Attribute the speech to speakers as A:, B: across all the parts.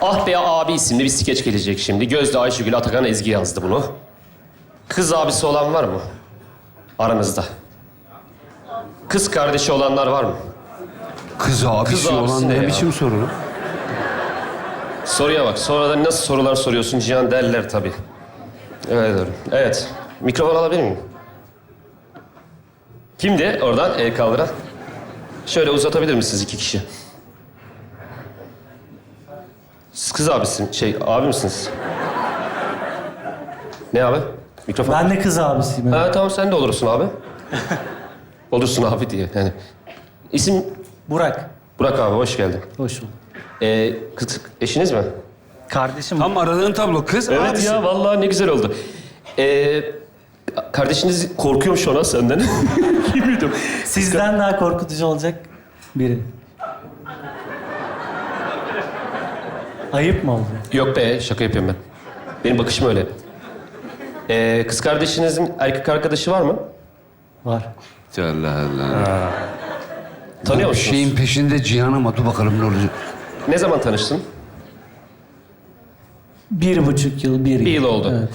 A: Ah Be Abi isimli bir skeç gelecek şimdi. Gözde, Ayşegül, Atakan, Ezgi yazdı bunu. Kız abisi olan var mı? Aranızda. Kız kardeşi olanlar var mı?
B: Kız abisi
A: Kız abisi
B: olan
A: ne
B: ne
A: ya?
B: biçim soru?
A: Soruya bak. Sonradan nasıl sorular soruyorsun Cihan derler tabii. Evet doğru. Evet. Mikrofon alabilir miyim? Kimdi oradan el kaldıran? Şöyle uzatabilir misiniz iki kişi? Siz kız abisin, abi misiniz? Ne abi? Mikrofon.
C: Ben de kız abisiyim.
A: Ha tamam sen de olursun abi. Olursun abi diye yani. İsim
C: Burak.
A: Burak abi hoş geldin.
C: Hoş bulduk.
A: Kız eşiniz mi?
C: Kardeşim.
B: Tam aradığın tablo kız
A: Evet
B: abisi.
A: ya vallahi ne güzel oldu. Kardeşiniz korkuyormuş ona senden. Bilmiyordum.
C: Sizden daha korkutucu olacak biri. Ayıp mı oldu?
A: Yok be şaka yapıyorum ben. Benim bakışım öyle. Kız kardeşinizin erkek arkadaşı var mı?
C: Var.
B: Allah Allah.
A: Tanıyor
B: Bir
A: musunuz?
B: şeyin peşinde Cihan ama dur bakalım ne olacak.
A: Ne zaman tanıştın?
C: 1,5 yıl, 1 yıl.
A: Bir yıl oldu.
C: Evet.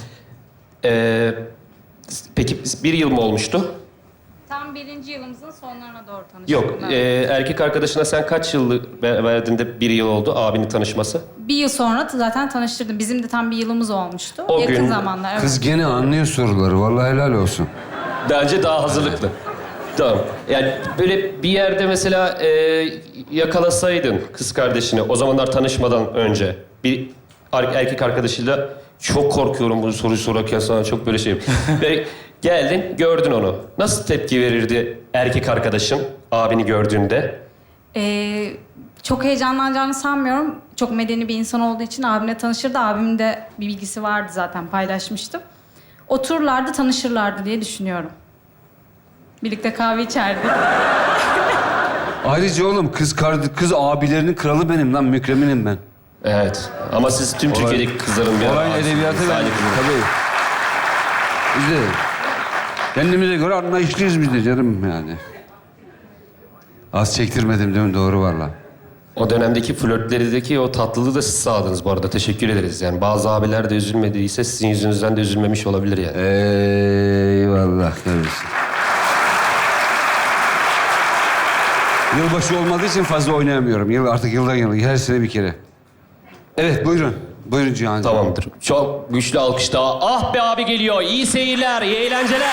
A: Peki bir yıl mı olmuştu?
D: Tam birinci yılımızın sonlarına doğru tanıştık.
A: Yok.
D: Evet.
A: Erkek arkadaşına sen kaç yıl verdiğinde bir yıl oldu abinin tanışması?
D: Bir yıl sonra zaten tanıştırdım. Bizim de tam bir yılımız olmuştu.
A: O
D: Yakın
A: gün
D: zamanlar. Evet.
B: Kız gene anlıyor soruları. Vallahi helal olsun.
A: Bence daha hazırlıklı. Tamam. Yani böyle bir yerde mesela yakalasaydın kız kardeşini o zamanlar tanışmadan önce bir erkek arkadaşıyla çok korkuyorum bu soruyu sorarken sana çok böyle şeyim. Ve geldin gördün onu. Nasıl tepki verirdi erkek arkadaşın abini gördüğünde?
D: Çok heyecanlanacağını sanmıyorum. Çok medeni bir insan olduğu için abimle tanışırdı. Abimin de bir bilgisi vardı zaten paylaşmıştım. Otururlardı, tanışırlardı diye düşünüyorum. Birlikte kahve içerdik.
B: Ayrıca oğlum kız abilerinin kralı benim lan. Mükreminim ben.
A: Evet. Ama siz tüm Türkiye'deki kızların bir
B: Olayın
A: ağzı-
B: edebiyatı ben.
A: Salih Kızı.
B: Tabii. Biz de kendimize göre anlayışlıyız biz de canım yani. Az çektirmedim değil mi? Doğru valla.
A: O dönemdeki flörtlerdeki o tatlılığı da siz sağladınız bu arada. Teşekkür ederiz. Yani bazı abiler de üzülmediyse sizin yüzünüzden de üzülmemiş olabilir yani.
B: Eyvallah kardeşim. Yılbaşı olmadığı için fazla oynayamıyorum. Artık yıldan yıla, her sene bir kere. Evet, buyurun. Buyurun Cihan'cığım.
A: Tamamdır. Çok güçlü alkış daha. Ah Be Abi geliyor. İyi seyirler, iyi eğlenceler.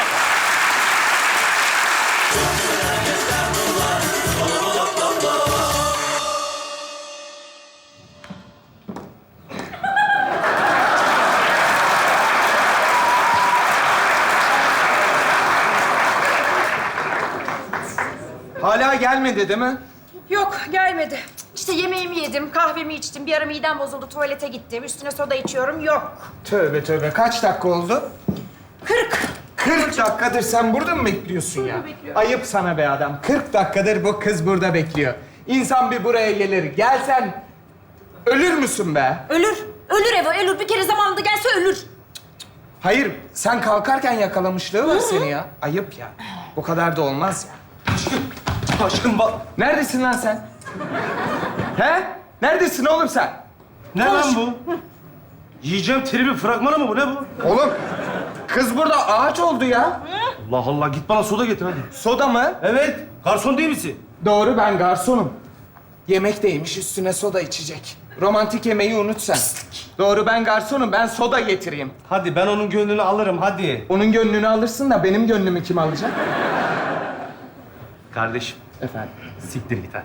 E: Hala gelmedi değil mi?
F: Yok gelmedi. İşte yemeğimi yedim, kahvemi içtim. Bir ara midem bozuldu, tuvalete gittim. Üstüne soda içiyorum, yok.
E: Tövbe tövbe. Kaç dakika oldu? 40 dakikadır sen burada mı bekliyorsun ya?
F: bekliyorum.
E: Ayıp sana be adam. 40 dakikadır bu kız burada bekliyor. İnsan bir buraya gelir. Gelsen ölür müsün be?
F: Ölür. Ölür Eva, ölür. Bir kere zamanında gelse ölür.
E: Hayır, sen kalkarken yakalamışlığı var seni ya. Ayıp ya. Bu kadar da olmaz ya. Aşkım bak. Neredesin lan sen? He? Neredesin oğlum sen?
G: Ne lan bu? Yiyeceğim tribi fragmanı mı bu? Ne bu?
E: Oğlum, kız burada ağaç oldu ya.
G: Allah Allah git bana soda getir hadi.
E: Soda mı?
G: Evet. Garson değil misin?
E: Doğru, ben garsonum. Yemek de yemiş, üstüne soda içecek. Romantik yemeği unut sen. Doğru, ben garsonum. Ben soda getireyim.
G: Hadi ben onun gönlünü alırım hadi.
E: Onun gönlünü alırsın da benim gönlümü kim alacak?
G: Kardeşim
E: Efendim?
G: siktir git hadi.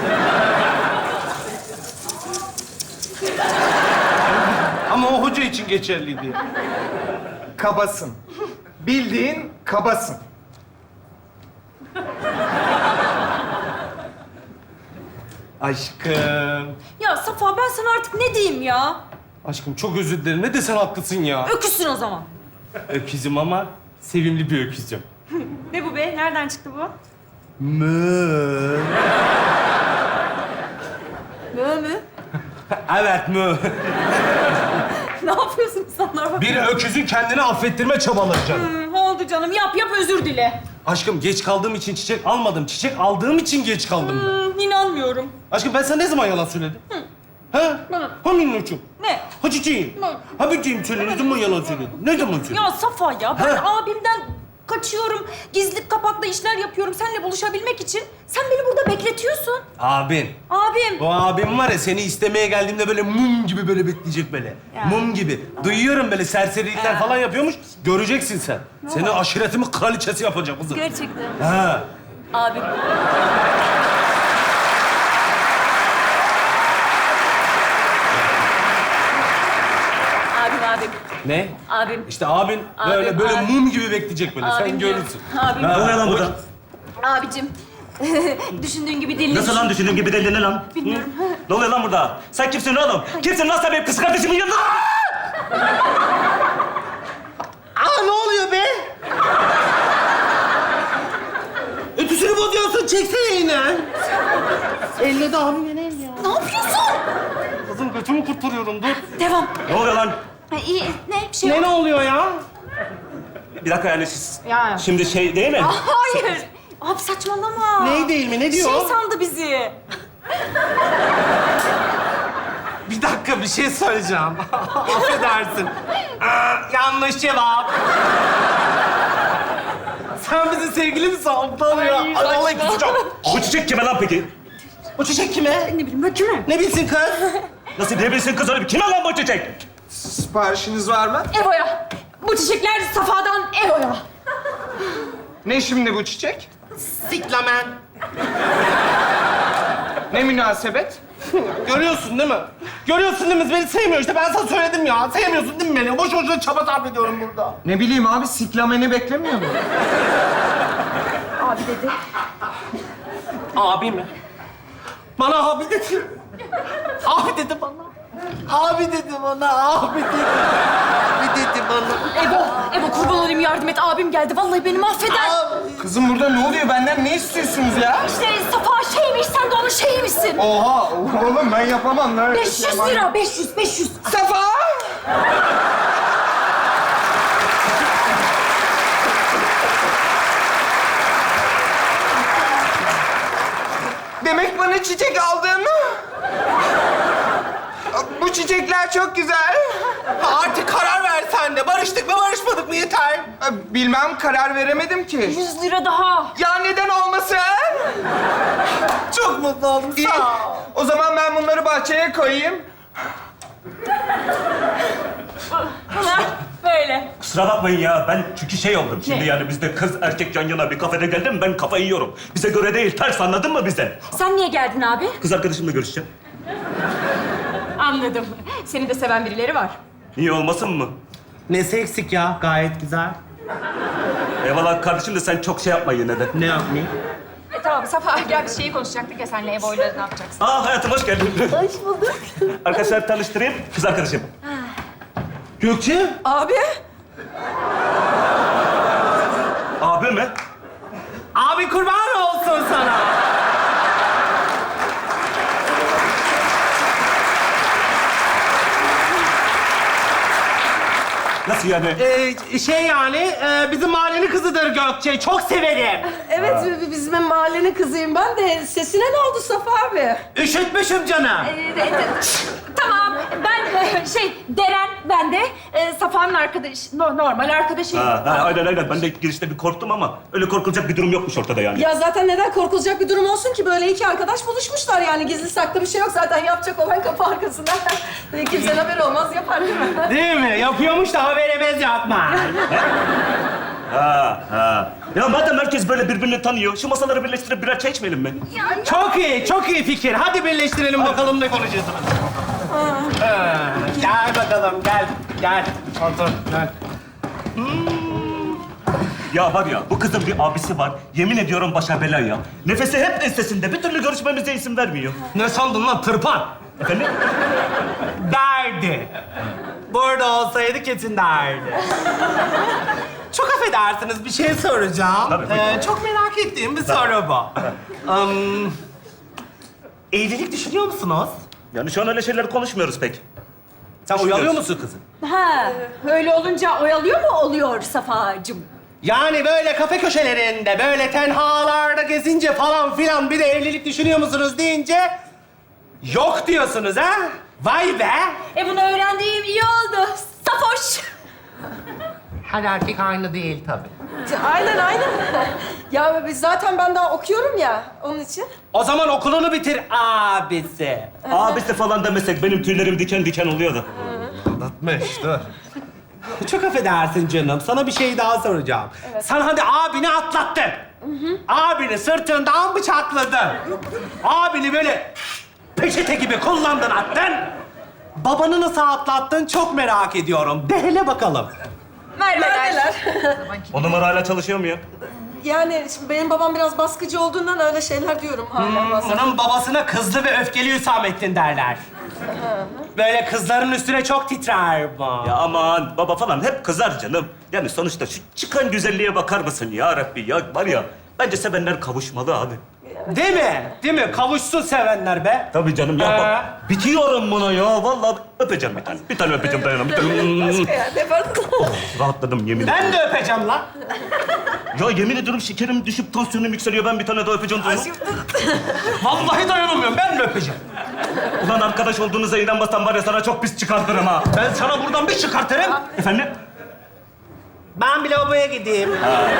G: Ama o hoca için geçerliydi.
E: Kabasın. Bildiğin kabasın.
G: Aşkım.
F: Ya Safa ben sana artık ne diyeyim ya?
G: Aşkım çok özür dilerim. Ne desen haklısın ya.
F: Öküzsün o zaman.
G: Öküzüm ama sevimli bir öküzüm.
F: Ne bu be? Nereden çıktı bu?
G: Mü.
F: Mö mü?
G: Evet mü.
F: Ne yapıyorsun insanlar bak?
G: Bir öküzün kendini affettirme çabaları canım.
F: Oldu canım. Yap özür dile.
G: Aşkım geç kaldığım için çiçek almadım. Çiçek aldığım için geç kaldım.
F: İnanmıyorum.
G: Aşkım ben sana ne zaman yalan söyledim? Ha? Ha minnoşum.
F: Ne?
G: Ha çiçeğim. Ha böceğim söyle. Ne zaman yalan söyledin? Ne zaman söyledin?
F: Ya Safa ya ben
G: Ha?
F: abimden kaçıyorum. Gizli kapaklı işler yapıyorum seninle buluşabilmek için. Sen beni burada bekletiyorsun.
G: Abin.
F: Abim.
G: O abim var ya seni istemeye geldiğimde böyle mum gibi böyle bekleyecek böyle.
F: Ya.
G: Mum gibi. Duyuyorum böyle serserilikler falan yapıyormuş. Göreceksin sen. Seni aşiretimin kraliçesi yapacak kızım.
F: Gerçekten.
G: Ha.
F: Abim. Abim.
G: Ne?
F: Abim.
G: İşte abin böyle
F: Abim,
G: böyle
F: abim.
G: mum gibi bekleyecek böyle. Sen
F: Abim diyor.
G: görürsün.
F: Abim.
G: Ha,
H: Ne oluyor lan
G: o-
H: burada?
F: Abicim. Düşündüğün gibi değil.
H: Nasıl lan düşündüğün gibi değil ne lan?
F: Bilmiyorum.
H: Hı? Ne oluyor lan burada? Sen kimsin oğlum? Kimsin lan sen benim kız kardeşimin yanında?
G: Aa ne oluyor be? Ötüsünü bozuyorsun. Çeksene yine. Elle de abimin el ya.
F: Ne yapıyorsun?
G: Kızım götümü kurtarıyorum dur.
F: Devam.
H: Ne oluyor lan?
F: Ha, iyi. Ne? Bir şey
G: Ne
F: yok.
G: ne oluyor ya?
H: Bir dakika yani siz...
F: Ya.
H: Şimdi şey değil mi?
F: Hayır. Abi saçmalama.
G: Ney değil mi? Ne diyor?
F: Şey sandı bizi.
G: Bir dakika bir şey söyleyeceğim. Affedersin. Yanlış cevap. Sen bizim sevgili misin? Aptal ya. Ay, vallahi kusacağım.
H: Bu çiçek kime lan peki?
G: O çiçek kime?
F: Ne bileyim ben kime?
G: Ne bilsin kız?
H: Nasıl bilebilirsin kız öyle bir? Kime lan bu çiçek?
E: Siparişiniz var mı?
F: Evo'ya. Bu çiçekler Safa'dan Evo'ya.
E: Ne şimdi bu çiçek?
G: Siklamen.
E: Ne münasebet?
G: Görüyorsun değil mi? Görüyorsun değil mi? Beni sevmiyor işte. Ben sana söyledim ya. Sevmiyorsun değil mi beni? Boş boşuna çaba sarf ediyorum burada.
E: Ne bileyim abi, siklameni beklemiyor mu?
F: Abi dedi.
G: Abi mi? Bana abi dedi. Abi dedi bana. Abi dedi bana. Abi dedi. Abi dedi bana.
F: Evo kurban olayım yardım et. Abim geldi. Vallahi beni mahveder.
E: Kızım burada ne oluyor? Benden ne istiyorsunuz ya?
F: İşte Safa şeymiş, sen de onun şeymişsin.
E: Oha! Oğlum ben yapamam lan.
F: 500 lira, 500.
E: Safa! Demek bana çiçek aldın mı? Bu çiçekler çok güzel.
G: Artık karar ver sen de. Barıştık mı barışmadık mı yeter.
E: Bilmem, karar veremedim ki.
F: 100 lira daha.
E: Ya neden olmasın?
G: Çok mutlu oldum.
E: İyi.
G: Sağ ol.
E: O zaman ben bunları bahçeye koyayım.
F: Bana böyle.
H: Kusura bakmayın ya ben çünkü şey oldum. Şimdi yani bizde kız erkek yan yana bir kafede geldim ben kafayı yiyorum. Bize göre değil ters anladın mı bizden?
F: Sen niye geldin abi?
H: Kız arkadaşımla görüşeceğim.
F: Anladım. Seni de seven birileri var.
H: İyi olmasın mı?
G: Nesi eksik ya? Gayet güzel.
H: Eyvallah kardeşim de sen çok şey yapma yine de.
G: Ne yapmayayım?
F: Tamam Safa gel bir şeyi konuşacaktık ya senle Evo'yla ne yapacaksın?
H: Aa hayatım hoş geldin.
F: Hoş bulduk.
H: Arkadaşlar tanıştırayım. Kız arkadaşım.
G: Gökçe.
F: Abi.
H: Abi mi?
G: Abi kurban olsun sana.
H: Nasıl yani?
G: Şey yani bizim mahallenin kızıdır Gökçe. Çok severim.
I: Evet, bizim mahallenin kızıyım ben de. Sesine ne oldu Safa abi?
G: Üşütmüşüm canım.
F: Tamam ben Deren ben de Safa'nın normal arkadaşıyım.
H: Aynen. Ben de girişte bir korktum ama öyle korkulacak bir durum yokmuş ortada yani.
I: Ya zaten neden korkulacak bir durum olsun ki? Böyle iki arkadaş buluşmuşlar yani. Gizli saklı bir şey yok zaten. Yapacak olan kapı arkasında. Kimsenin haberi olmaz, yapar değil mi?
G: Değil mi? Yapıyormuş da haberimiz yapma.
H: Ya madem herkes böyle birbirini tanıyor, şu masaları birleştirip birer çay içmeyelim mi?
G: Çok iyi fikir. Hadi birleştirelim bakalım ne konuşacağız. Gel bakalım, gel. Otur, gel.
H: Ya var ya, bu kızın bir abisi var. Yemin ediyorum başa bela ya. Nefesi hep ensesinde. Bir türlü görüşmemize izin vermiyor.
G: Ne sandın lan tırpan?
H: Efendim?
G: Derdi. Burada olsaydı kesin derdi. Çok affedersiniz bir şey soracağım.
H: Tabii, buyurun.
G: Çok merak ettiğim bir soru bu. Evlilik düşünüyor musunuz?
H: Yani şu an öyle şeyler konuşmuyoruz pek.
G: Sen
H: Düşünüyoruz.
G: oyalıyor musun kızım?
F: Ha, öyle olunca oyalıyor mu oluyor Safa'cığım?
G: Yani böyle kafe köşelerinde, böyle tenhalarda gezince falan filan bir de evlilik düşünüyor musunuz deyince Yok diyorsunuz ha? Vay be!
F: Bunu öğrendiğim iyi oldu. Safoş.
G: Her erkek aynı değil tabii.
I: Aynen aynen. Ya biz zaten ben daha okuyorum ya onun için.
G: O zaman okulunu bitir abisi.
H: Abisi falan demesek benim tüylerim diken diken oluyordu.
G: Anlatmış, dur. Çok affedersin canım. Sana bir şey daha soracağım. Sen hadi abini atlattın. Abini sırtından bıçakladın. Abini böyle peçete gibi kullandın attın. Babanı nasıl atlattın çok merak ediyorum. De hele bakalım.
I: Neredeler?
H: O numara hala çalışıyor mu ya?
I: Yani şimdi benim babam biraz baskıcı olduğundan öyle şeyler diyorum hala bazen.
G: Onun babasına kızlı ve öfkeli Hüsamettin derler. Böyle kızların üstüne çok titrer bu.
H: Ya aman baba falan hep kızar canım. Yani sonuçta şu çıkan güzelliğe bakar mısın ya Rabbi ya var ya. Bence sevenler kavuşmalı abi.
G: Değil mi? Değil mi? Kavuşsun sevenler be.
H: Tabii canım ya bak bitiyorum buna ya. Vallahi öpeceğim bir tane. Bir tane öpeceğim dayanam. Bir tane.
I: Ya ne var?
H: Rahatladım yemin ederim.
G: Ben de öpeceğim lan.
H: Ya yemin ediyorum şekerim düşüp tansiyonum yükseliyor. Ben bir tane daha öpeceğim dayanam.
G: Vallahi dayanamıyorum. Ben de öpeceğim.
H: Ulan arkadaş olduğunuza inanmasam var ya sana çok pis çıkartırım ha.
G: Ben sana buradan bir çıkartırım.
H: Efendim?
G: Ben bir lavaboya gideyim.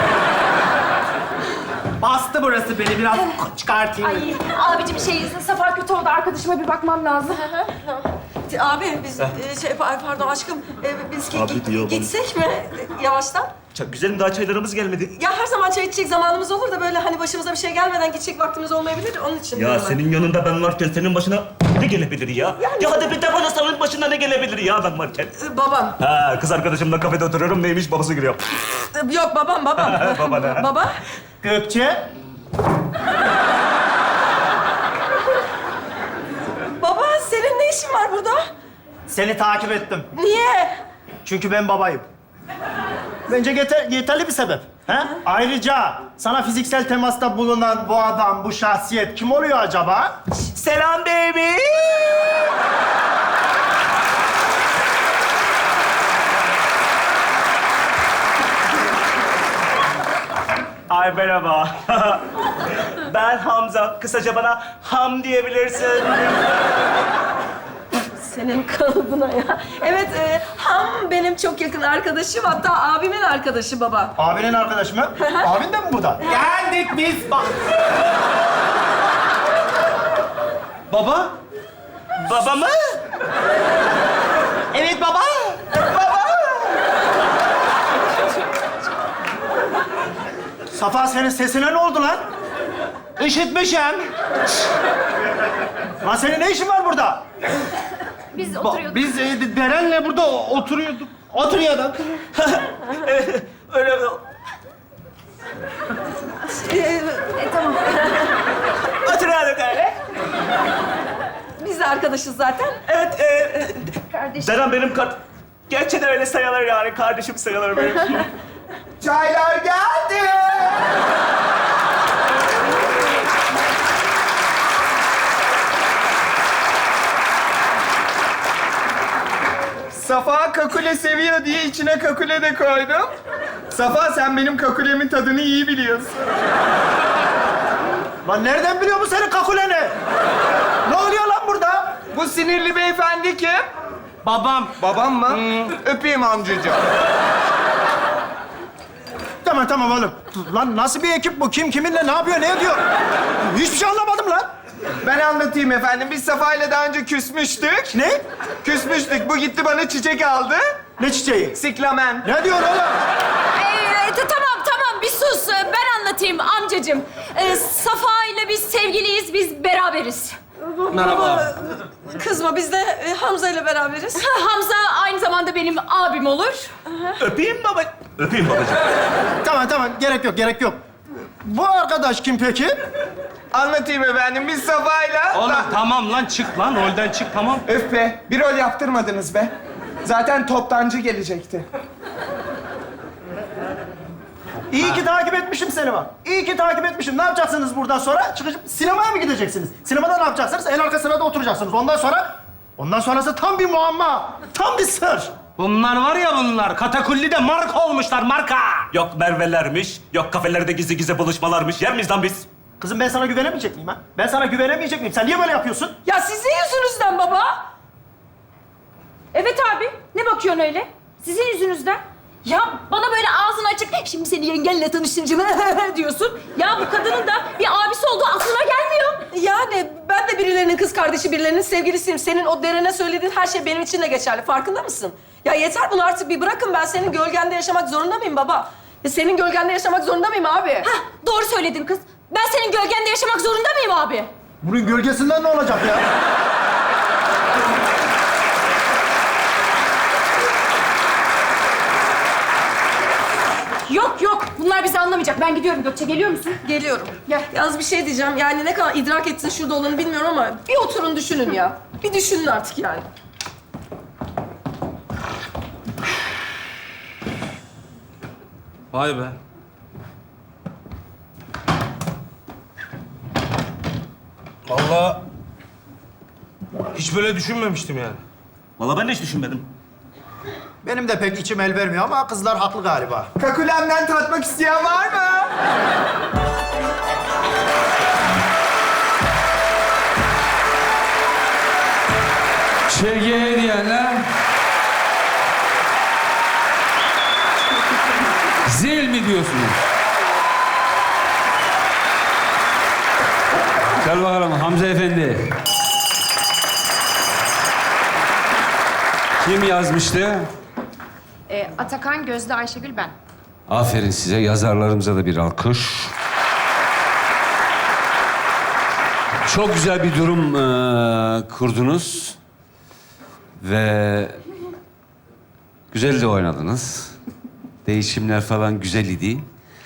G: Bastı burası beni. Biraz çıkartayım.
F: Ay abicim Safa kötü oldu. Arkadaşıma bir bakmam lazım.
I: Abi biz pardon aşkım biz
H: Abi diyor bana.
I: gitsek mi yavaştan?
H: Çok güzelim daha çaylarımız gelmedi.
I: Ya her zaman çay içecek zamanımız olur da böyle hani başımıza bir şey gelmeden gidecek vaktimiz olmayabilir. Onun için
H: Ya
I: diyorum ben.
H: senin yanında ben varken senin başına ne gelebilir ya? Ya hadi bir de bana senin başına ne gelebilir ya ben varken?
I: Babam.
H: Ha kız arkadaşımla kafede oturuyorum neymiş babası giriyor.
I: Yok babam.
H: Baba ne?
I: Baba.
G: Gökçe.
I: Baba senin ne işin var burada?
J: Seni takip ettim.
I: Niye?
J: Çünkü ben babayım. Bence yeterli bir sebep. He? Ayrıca sana fiziksel temasta bulunan bu adam, bu şahsiyet kim oluyor acaba?
G: Selam baby.
H: Ay merhaba. Ben Hamza. Kısaca bana Ham diyebilirsin.
I: Senin kalıbına ya. Evet, Ham benim çok yakın arkadaşım. Hatta abimin arkadaşı baba.
J: Abinin arkadaşı mı? Abin de mi bu da?
G: Geldik biz. Bak. Baba.
H: Baba mı?
G: Evet baba.
J: Safa senin sesine ne oldu lan?
G: Üşütmüşüm.
J: Lan senin ne işin var burada?
F: Biz oturuyorduk.
J: Biz Deren'le burada oturuyorduk.
G: Oturuyorduk.
H: Öyle
F: Tamam.
H: oturuyorduk öyle.
I: Biz de arkadaşız zaten.
H: Evet.
F: Kardeşim.
H: Deren benim gerçekten öyle sayılır yani. Kardeşim sayılır benim.
E: Çaylar geldi. Safa kakule seviyor diye içine kakule de koydum. Safa sen benim kakulemin tadını iyi biliyorsun.
J: Lan nereden biliyor bu senin kakuleni? Ne oluyor lan burada?
E: Bu sinirli beyefendi kim?
G: Babam.
E: Babam mı? Öpeyim amcacığım.
J: Tamam oğlum. Lan nasıl bir ekip bu? Kim kiminle ne yapıyor, ne ediyor? Hiçbir şey anlamadım lan.
E: Ben anlatayım efendim. Biz Safa'yla daha önce küsmüştük.
J: Ne?
E: Küsmüştük. Bu gitti bana çiçek aldı.
J: Ne çiçeği?
E: Siklamen.
J: Ne diyorsun oğlum?
F: Tamam bir sus. Ben anlatayım amcacığım. Safa ile biz sevgiliyiz, biz beraberiz.
G: Merhaba.
I: Kızma, biz de Hamza ile beraberiz.
F: Hamza aynı zamanda benim abim olur.
H: Öpeyim baba. Öpeyim babacığım.
J: Tamam. Gerek yok. Bu arkadaş kim peki?
E: Anlatayım efendim. Biz Safa'yla...
G: Oğlum tamam lan çık lan rolden çık tamam.
E: Öf be. Bir rol yaptırmadınız be. Zaten toptancı gelecekti.
J: İyi ki takip etmişim seni bak. İyi ki takip etmişim. Ne yapacaksınız buradan sonra? Çıkıp sinemaya mı gideceksiniz? Sinemada ne yapacaksınız? En arka sırada oturacaksınız. Ondan sonrası tam bir muamma. Tam bir sır.
G: Bunlar var ya bunlar. Katakulli'de marka olmuşlar marka.
H: Yok Merve'lermiş, yok kafelerde gizli buluşmalarmış. Yer miyiz lan biz?
J: Kızım ben sana güvenemeyecek miyim ha? Ben sana güvenemeyecek miyim? Sen niye böyle yapıyorsun?
F: Ya sizin yüzünüzden baba. Evet abi. Ne bakıyorsun öyle? Sizin yüzünüzden. Ya bana böyle ağzını açık, şimdi seni yengenle tanıştıracağım diyorsun. Ya bu kadının da bir abisi olduğu aklına gelmiyor.
I: Yani ben de birilerinin kız kardeşi, birilerinin sevgilisiyim. Senin o derene söylediğin her şey benim için de geçerli. Farkında mısın? Ya yeter bunu artık bir bırakın. Ben senin gölgende yaşamak zorunda mıyım baba? Senin gölgende yaşamak zorunda mıyım abi?
F: Hah, doğru söyledin kız. Ben senin gölgende yaşamak zorunda mıyım abi?
J: Bunun gölgesinden ne olacak ya?
F: Yok yok, bunlar bizi anlamayacak. Ben gidiyorum Gökçe, geliyor musun?
I: Geliyorum.
F: Gel.
I: Yalnız bir şey diyeceğim. Yani ne kadar idrak etsin şurada olanı bilmiyorum ama bir oturun düşünün ya. Bir düşünün artık yani.
G: Vay be. Vallahi hiç böyle düşünmemiştim yani.
H: Vallahi ben de hiç düşünmedim.
J: Benim de pek içim el vermiyor ama kızlar haklı galiba.
E: Kakulemden tatmak isteyen var mı?
B: ÇG diyenler... Zil mi diyorsunuz? Gel bakalım Hamza Efendi. Kim yazmıştı?
F: Atakan, Gözde, Ayşegül, ben.
B: Aferin size. Yazarlarımıza da bir alkış. Çok güzel bir durum kurdunuz. Ve güzel de oynadınız. Değişimler falan güzel idi.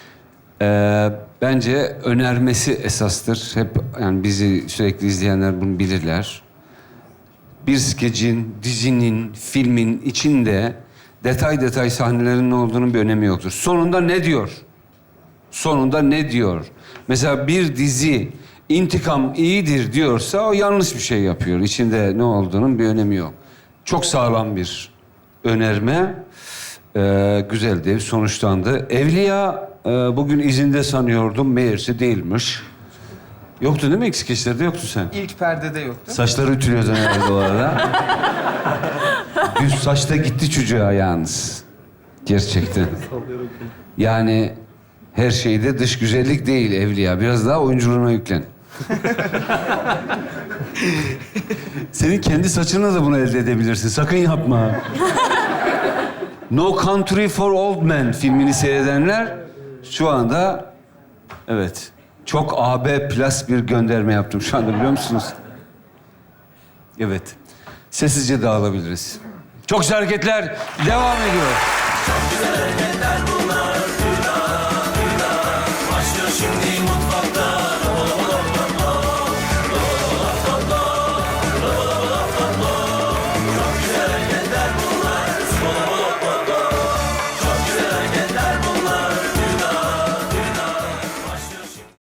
B: Bence önermesi esastır. Hep yani bizi sürekli izleyenler bunu bilirler. Bir skecin, dizinin, filmin içinde detay detay sahnelerin ne olduğunun bir önemi yoktur. Sonunda ne diyor? Sonunda ne diyor? Mesela bir dizi intikam iyidir diyorsa o yanlış bir şey yapıyor. İçinde ne olduğunun bir önemi yok. Çok sağlam bir önerme. Güzeldi, sonuçlandı. Evliya bugün izinde sanıyordum, meğerse değilmiş. Yoktu değil mi? Eksik işlerde yoktu sen.
E: İlk perdede yoktu.
B: Saçları ütülüyordun herhalde o arada. Düz saçta gitti çocuğa yalnız. Gerçekten. Yani her şeyde dış güzellik değil Evliya. Biraz daha oyunculuğuna yüklen. Senin kendi saçınla da bunu elde edebilirsin. Sakın yapma. No Country for Old Men filmini seyredenler şu anda... Evet. Çok AB plus bir gönderme yaptım şu anda biliyor musunuz? Evet. Sessizce dağılabiliriz. Çok güzel hareketler devam ediyor.